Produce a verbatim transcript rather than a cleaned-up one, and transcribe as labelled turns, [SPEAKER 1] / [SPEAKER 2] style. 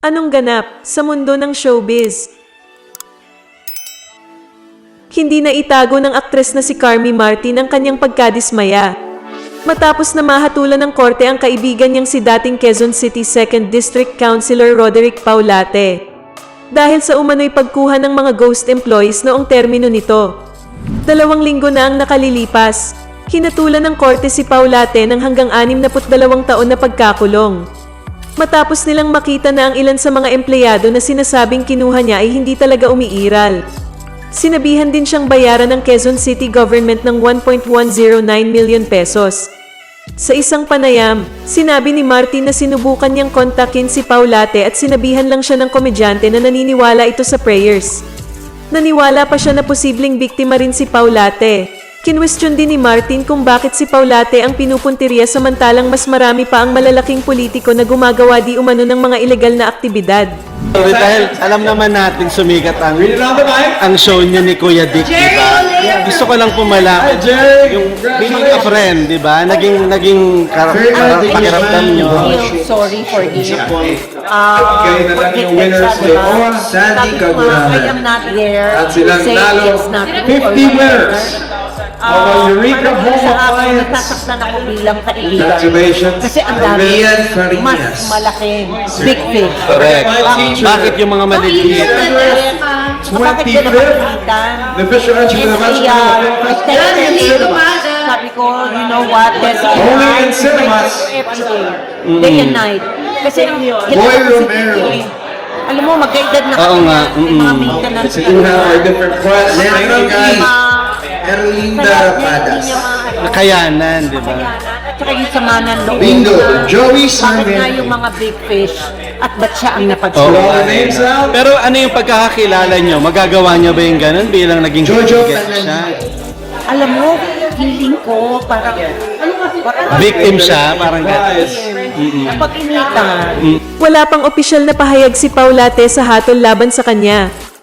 [SPEAKER 1] Anong ganap sa mundo ng showbiz? Hindi na itago ng aktres na si Carmi Martin ang kanyang pagkadismaya. Matapos na mahatulan ng korte ang kaibigan niyang si dating Quezon City second District Councilor Roderick Paulate. Dahil sa umano'y pagkuha ng mga ghost employees noong termino nito. Dalawang linggo na ang nakalilipas. Hinatulan ng korte si Paulate ng hanggang anim na dalawang taon na pagkakulong. Matapos nilang makita na ang ilan sa mga empleyado na sinasabing kinuha niya ay hindi talaga umiiral. Sinabihan din siyang bayaran ng Quezon City government ng one point one zero nine million pesos. Sa isang panayam, sinabi ni Martin na sinubukan niyang kontakin si Paulate at sinabihan lang siya ng komedyante na naniniwala ito sa prayers. Naniwala pa siya na posibleng biktima rin si Paulate. Kinwestiyon din ni Martin kung bakit si Paulate ang pinupuntirya samantalang mas marami pa ang malalaking politiko na gumagawa di umano ng mga ilegal na aktibidad.
[SPEAKER 2] Dahil alam naman natin sumikat ang, ang show niya ni Kuya Dick, di ba? Gusto ko lang pumalaman yung bilang a friend, di ba? Naging, naging kar- kar- pakiramdam niyo.
[SPEAKER 3] Sorry for this. Uh,
[SPEAKER 4] Sandy Kagurahan.
[SPEAKER 3] I am not there
[SPEAKER 4] At
[SPEAKER 3] to
[SPEAKER 4] silang
[SPEAKER 3] say
[SPEAKER 4] nalo,
[SPEAKER 3] it's not true
[SPEAKER 4] fifty
[SPEAKER 3] or
[SPEAKER 4] winners.
[SPEAKER 3] Uh,
[SPEAKER 4] Eureka Home
[SPEAKER 3] sa akin,
[SPEAKER 4] Appliance.
[SPEAKER 3] nasasaktan ako bilang kaibigan.
[SPEAKER 4] Congratulations,
[SPEAKER 3] Kasi ang dami,
[SPEAKER 4] Rian Farinas.
[SPEAKER 3] mas malaki, big fish.
[SPEAKER 2] Correct. Bakit yung mga maliliit?
[SPEAKER 3] Bakit ka napakalitan?
[SPEAKER 4] The Fisher Archie
[SPEAKER 3] And
[SPEAKER 4] with a
[SPEAKER 3] I, uh, I texted him, sabi ko, you know what, there's
[SPEAKER 4] Only in cinemas.
[SPEAKER 3] every day, day and night. Kasi,
[SPEAKER 4] Boy Romero.
[SPEAKER 3] alam mo, magkaedad na
[SPEAKER 2] Oo nga,
[SPEAKER 3] may mga
[SPEAKER 2] mm-mm.
[SPEAKER 3] maintenance.
[SPEAKER 4] So you have our different quests. Thank you
[SPEAKER 3] Mga-
[SPEAKER 4] guys. Erlinda
[SPEAKER 3] Kaya
[SPEAKER 4] Rapadas.
[SPEAKER 3] hindi niya ma-
[SPEAKER 2] Nakayanan, di ba?
[SPEAKER 3] At saka yung sama ng loob.
[SPEAKER 4] Bingo. Joey
[SPEAKER 3] Bakit
[SPEAKER 4] Simon.
[SPEAKER 3] nga yung mga big fish at ba't siya ang
[SPEAKER 2] Oo.
[SPEAKER 3] napagsulat?
[SPEAKER 4] All the names out.
[SPEAKER 2] Pero ano yung pagkakakilala niyo? Magagawa niyo ba yung ganun bilang naging
[SPEAKER 4] Jojo
[SPEAKER 2] guest
[SPEAKER 4] Fernandez.
[SPEAKER 2] siya?
[SPEAKER 3] Alam mo, feeling ko parang parang
[SPEAKER 2] Victim siya, parang gano'n.
[SPEAKER 3] napag-initan.
[SPEAKER 1] Wala pang opisyal na pahayag si Paulate sa hatol laban sa kanya.